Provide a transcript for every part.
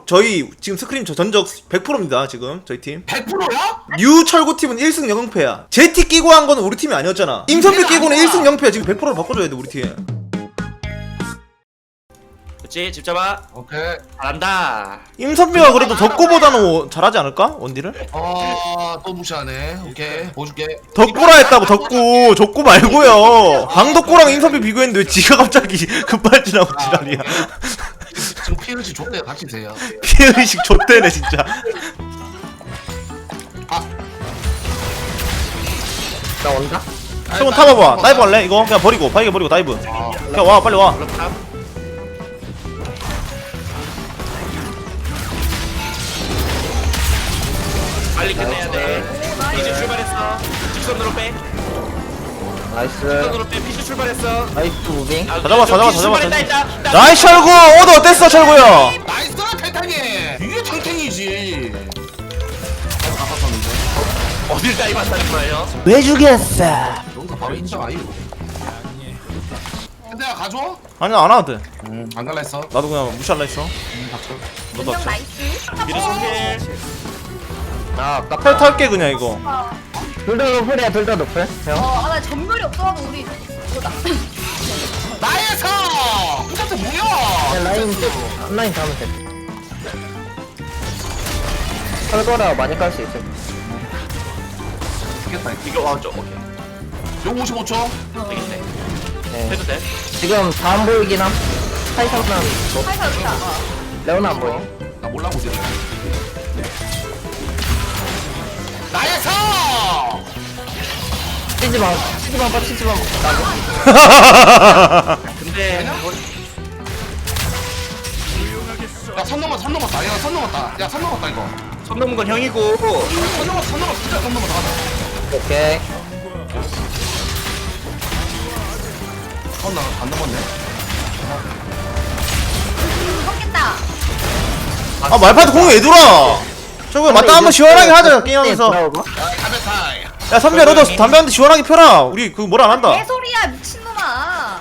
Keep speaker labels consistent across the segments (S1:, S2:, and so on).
S1: 저희 지금 스크림 전적 100%입니다 지금 저희 팀
S2: 100%야?
S1: 뉴 철구팀은 1승 0패야 제티 끼고 한 거는 우리 팀이 아니었잖아 임선비 끼고는 1승 0패야 지금 100%로 바꿔줘야 돼 우리 팀
S3: 그렇지 집 잡아.
S2: 오케이.
S3: 잘한다.
S1: 임선비가 그래도 덕구보다는 잘하지 않을까? 원딜을?
S2: 또 무시하네. 오케이. 보여줄게.
S1: 덕구라 했다고 덕구 족구 말고요 강덕구랑 임선비 비교했는데 왜 지가 갑자기 급발진하고 지랄이야
S2: 지금 피을지 줬대 같이 세요.
S1: 피해의식 좆대네 진짜
S4: 나 온다?
S1: 한번 타봐봐 다이브 할래? 이거 그냥 버리고 바이게 버리고 다이브 그냥 와 빨리 와
S3: 빨리 끝내야 돼. 피즈 출발했어. 직선으로 빼.
S4: 나이스.
S3: 직선으로 빼. 피즈 출발했어.
S4: 나이스 무빙.
S1: 다 잡았어, 다 잡았어, 다 잡았어.
S3: 출발했다.
S1: 나이스 철구 오더 어땠어 철구야
S2: 나이스 탱탱이. 이게 탱탱이지. 아팠었는데.
S3: 어딜 다이브한다는 거예요?
S1: 왜 죽였어
S2: 여기서 바로 인정 아니고. 근데 가져?
S1: 아니 안 와도 돼
S2: 안 갈라 했어.
S1: 나도 그냥 무시할라 했어 너도
S5: 인정
S1: 없어
S5: 나이스.
S3: 미드 손길.
S4: 아 아깝다.
S1: 탈 탈게 그냥 이거
S4: 둘 다 노플이야 둘 다 노플. 형.
S5: 나 전멸이 없어가지고 우리 이거다.
S2: 나에서 똑같은 뭐야?
S4: 그냥 라인 앞라인 가면 돼. 털거라 많이 깔 수 있어.
S2: 되겠다.
S3: 이거 와줘. 오케이.
S2: 용 55초.
S3: 되겠네.
S4: 네.
S3: 해도 돼.
S4: 지금 다 안 보이긴 함. 타이상만
S5: 살살 없다.
S4: 레오나 안 보여.
S2: 나 몰라고 지금. 나에서.
S4: 치즈만 봐 치즈만 나고.
S3: 근데
S2: 야선 넘었다. 야 선 넘었다. 야 선 넘었다 이거.
S3: 손 넘은 건 형이고.
S2: 선 넘었어 진짜 선 넘었다. 가자.
S4: 오케이.
S2: 나안 넘었네.
S5: 섞겠다.
S1: 아 말파도 공이 왜 돌아 철구야 맞다 한번 시원하게 하자 게임하면서
S2: 야 담배 타이.
S1: 야 선비야 너도 담배 한 대 시원하게 펴라 우리 그거 뭐라 안 한다
S5: 개소리야 미친놈아.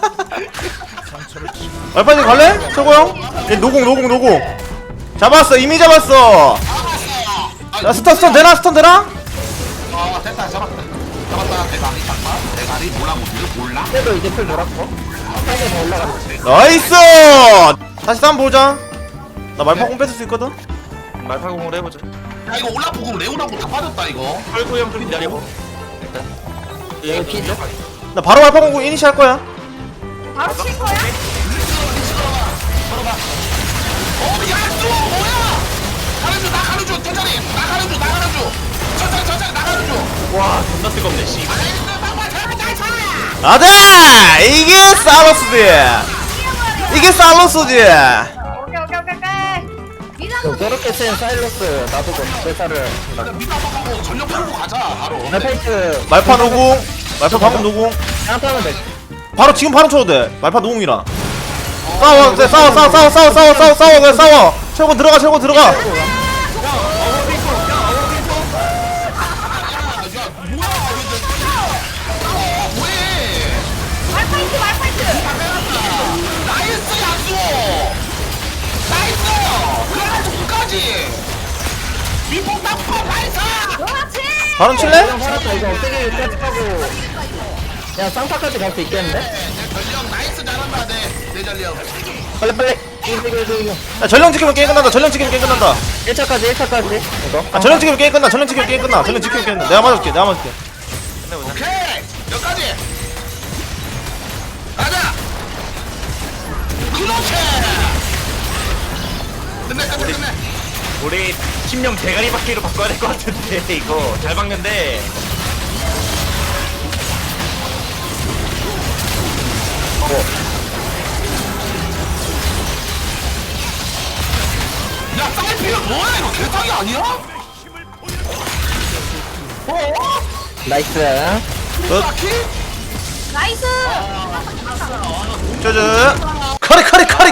S1: 말파님 갈래? 철구 형? 얘 노공 잡았어 이미 잡았어 야 스턴 되나?
S2: 됐다 잡았다. 대가리 잡아. 대가리 몰라 몰라.
S4: 그래도 이제 풀 돌았고. 한개 더 올라가.
S1: 나이스 다시 싸움 보자 나 말파 공 뺏을 수 있거든?
S3: 말파공으로 해보자.
S2: 야 이거 올라프고 레오나고 다 빠졌다 이거.
S3: 털구 형좀 기다리고.
S4: 여기 피즈.
S1: 나 바로 말파 공 이니시 할 거야
S5: 바로 칠 거야?
S2: 야 또 뭐야? 가는 중 천천히. 나 가는 중 천천히 나 가는 중.
S3: 와 존나 뜨겁네 씨.
S1: 아들 이게 살로스지
S5: 오케이. 미나도
S4: 저렇게 센 사일러스 놔두고 회사를.
S2: 미드 한번 가고 전력 풀고 가자 바로.
S4: 말파이트
S1: 말파 노공 말파 방금 노공
S4: 한타 하면 돼.
S1: 바로 지금 바로 쳐도 돼 말파 노공이라 싸워 그래 싸워 그래 싸워 철권 들어가
S2: 야 뭐야? 뭐해?
S5: 말파이트.
S2: 나이스 야수. 나이스. 그래가지고 끝까지. 미폭 땅파 나이스.
S5: 그렇지.
S1: 바로 칠래?
S4: 형 살았다 이거 어떻게 까지하고. 야 쌍파까지 갈 수 있겠는데?
S2: 내 전력 나이스 잘한다 내 전력.
S4: 빨리. 이거.
S1: 야 전령 지키면 게임 끝난다
S4: 1차까지 이거.
S1: 아 전령 지키면 게임 끝나 전령 지키면 게임 끝나 내가 맞을게
S2: 오케이 여기까지. 가자. 그렇지. 끝내.
S3: 우리 팀명 대가리 바퀴로 바꿔야 될 것 같은데 이거 잘 박는데.
S2: 야 사이피가 뭐야 이거 개사기 아니야?
S4: 나이스.
S2: 바퀴?
S5: 나이스.
S1: 짜잔 카리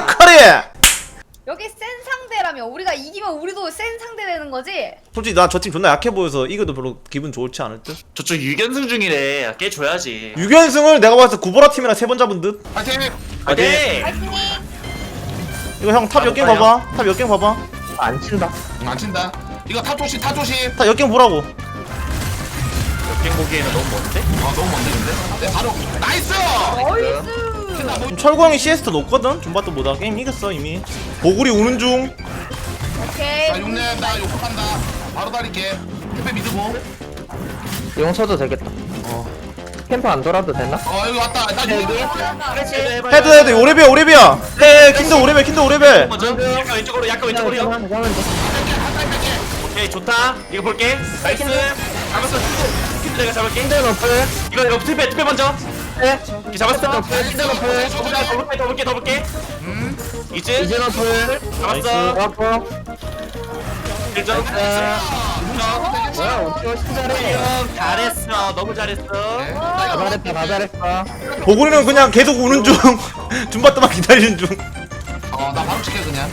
S5: 여기 센 상대라면 우리가 이기면 우리도 센 상대 되는 거지?
S1: 솔직히 나 저 팀 존나 약해 보여서 이겨도 별로 기분 좋지 않을 듯?
S3: 저쪽 6연승 중이래. 깨줘야지.
S1: 6연승을 내가 봤을 때 구보라 팀이랑 3번 잡은 듯?
S2: 파이팅.
S3: 화이팅!
S5: 파이팅!
S1: 이거 형 탑 역갱 봐봐. 탑 역갱 봐봐.
S4: 안 친다.
S2: 안 친다. 이거 타 조심, 타 조심.
S1: 탑 역갱 보라고.
S3: 역행 보기에는 너무 먼데?
S2: 너무 먼데 근데. 네, 바로 나이스.
S5: 나이스.
S1: 철구 형이 CS도 높거든. 줌바트보다 게임 이겼어 이미. 보글이 우는 중.
S5: 오케이.
S2: 자, 용내 나 욕 간다. 바로 달릴게. 택배 믿고.
S4: 용 쳐도 되겠다. 캠프 안 돌아도 되나?
S2: 여기 왔다. 나 여기.
S1: 헤드 오레비야. 헤 킨드 오레벨.
S3: 먼저 약간 왼쪽으로 약간 왼쪽으로요.
S4: 잠깐만.
S3: 오케이 좋다. 이거 볼게. 나이스. 잡았어. 킨드 내가 잡을게.
S4: 힌드 너플.
S3: 이거 투패 먼저.
S4: 네.
S3: 이렇게 잡았어.
S4: 힌드 너플.
S3: 더 볼게. 이즈
S4: 이제 너플.
S3: 잡았어.
S4: 아파.
S3: 1점.
S4: 뭐야 우리 훨씬 잘해.
S3: 잘했어. 너무 잘했어.
S4: 다 잘했어.
S1: 보글이는 그냥 계속 우는 중. 줌바트만 기다리는 중.
S2: 나 바로 칠게 그냥.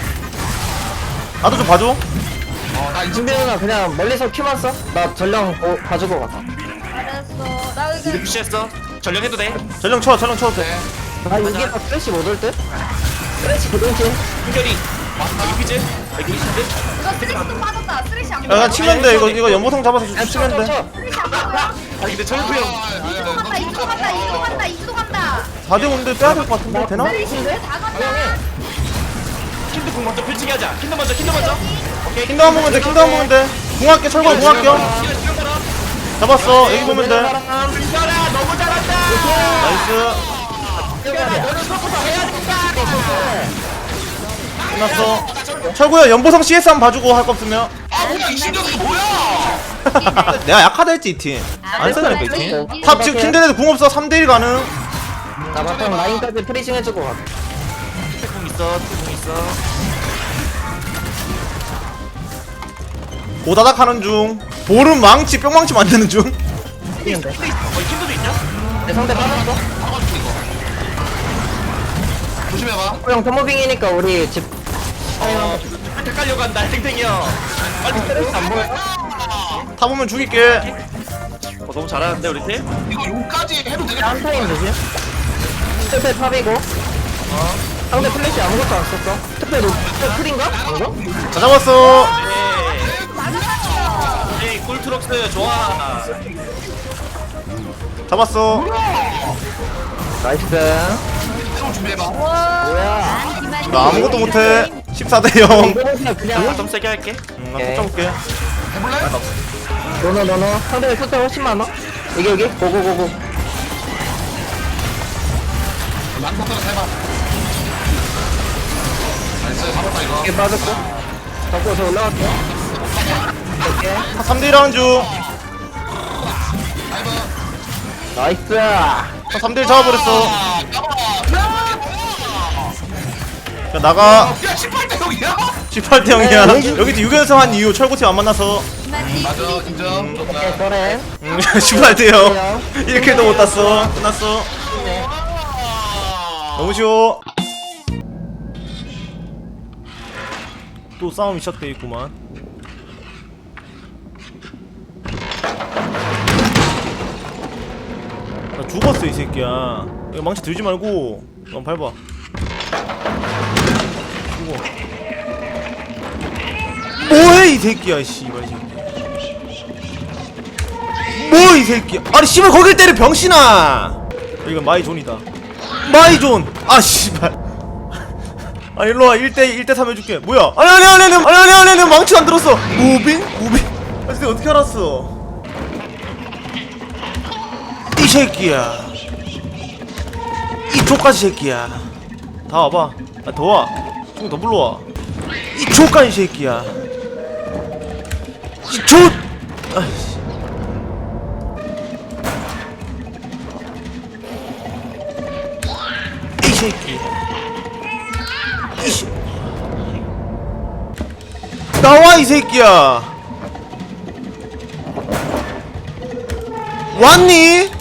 S1: 나도 좀 봐줘.
S2: 나 이제
S4: 준비 누나 그냥 멀리서 큐만 써. 나 전령 가지고 가.
S5: 잘했어. 나 이제
S3: 푸시했어. 전령해도 돼.
S1: 전령 쳐도 돼.
S4: 나 이게 다 프레시 못 올 듯? 프레시 고동팀.
S3: 한결이. 여기 피즈. 여기 피즈.
S5: 이거 쓰레쉬 좀 빠졌다. 쓰레쉬 안
S1: 야,
S5: 보여.
S1: 그냥 치면 돼. 이거 연보성 잡아서 치면 돼.
S5: 쓰레쉬 안 보여.
S3: 아니 근데 철구 형.
S5: 이도 간다. 이도 간다. 이도 간다. 이도 간다.
S1: 4대 5인데 빼야 될 것 같은데 되나?
S5: 쓰레쉬 왜다 간다?
S3: 킨드 공 먼저 펼치게 하자. 킨드 먼저. 오케이.
S1: 킨드 한 보면 돼. 궁합게 철거 궁합겨. 잡았어. 여기 보면 돼.
S3: 민철아 너무 잘한다.
S1: 나이스. 끝났어. 철구야 연보성 CS 한번 봐주고 할 거 없으면.
S2: 뭐야 이 신경 이거 뭐야?
S1: 내가 약하다 했지 이 팀. 안 쓰니까 이 팀. 탑 지금 킨드에도 궁 없어. 3대1 가능.
S4: 나 바텀 라인까지 프리징 해주고 가.
S3: 공 있어.
S1: 오다닥 하는 중. 볼은 망치 뿅망치 만드는 중.
S4: 뛰는데.
S3: 킨드도 있냐?
S4: 내 상대 빠졌어.
S2: 막아줄게 이거. 조심해봐.
S4: 형 토모빙이니까 우리 집.
S3: 한테 깔려고 한다. 탱탱이 형. 빨리
S4: 프레시 안 보여?
S1: 타 보면 죽일게.
S3: 너무 잘하는데 우리 팀?
S2: 이거 용까지 해도 되겠다.
S4: 한 타임 되지? 특패 탑이고. 상대 플래시 아무것도 안 썼어. 특패 풀인가? 방금?
S1: 다 잡았어.
S3: 네, 꿀트럭스 좋아.
S1: 잡았어.
S4: 나이스.
S2: 새로 준비해봐.
S4: 뭐야?
S1: 나 아무것도 못해. 14대 0.
S4: 이거는 그냥.
S3: 좀 세게 할게.
S1: 나 쫓아올게.
S2: 해볼래?
S4: 너너. 상대 숫자 훨씬 많아. 여기. 고고고고.
S2: 난폭대로 해봐. 나이스 잡았다 이거.
S4: 이게 빠졌고. 잡고 저 올라갈게요. 이렇게.
S1: 3대1 하는 중.
S2: 다이브.
S4: 나이스.
S1: 3대1 잡아버렸어. 야, 나가.
S2: 야 18대 0이야?
S1: 18대 0이야. 여기 6연승 한 이후 철구팀 안 만나서.
S2: 맞아 인정.
S4: 오케이, 저래.
S1: 18대 0. 1킬도 못 땄어. 끝났어. 너무 쉬워. 또 싸움이 시작돼 있구만. 나 죽었어 이 새끼야. 이거 망치 들지 말고 넌 밟아. 죽어. 뭐해 이 새끼야 씨발 새끼. 뭐 이 새끼야. 아니 씨발 거길 때려 병신아. 이건 마이존이다. 마이존. 아 씨발. 아 일로와 1대 3 해줄게. 뭐야? 아니 망치 안 들었어. 무빙? 아 근데 어떻게 알았어? 이 새끼야. 이 족까지 새끼야. 다 와봐. 아 더 와. 좀 더 불러와. 이 족까지 새끼야. 이 족. 아이씨. 이 새끼. 이씨. 나와 이 새끼야. 왔니?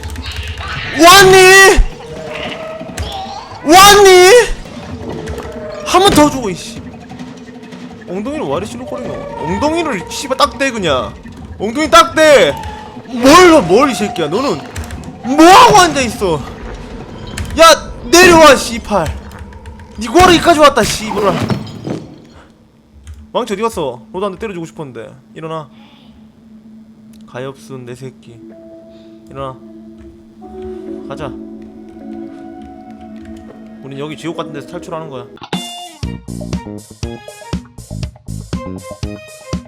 S1: 한 번 더 주고 이씨. 엉덩이를 와리 실룩거리노. 엉덩이를 씨발 딱대 그냥. 엉덩이 딱대. 뭘 이 새끼야. 너는 뭐하고 앉아있어. 야 내려와 씨팔. 니 구하러 여기까지 왔다 씨부라. 왕치 어디 갔어? 로드한테 때려주고 싶었는데. 일어나. 가엾은 내 새끼. 일어나. 가자. 우린 여기 지옥 같은 데서 탈출하는 거야.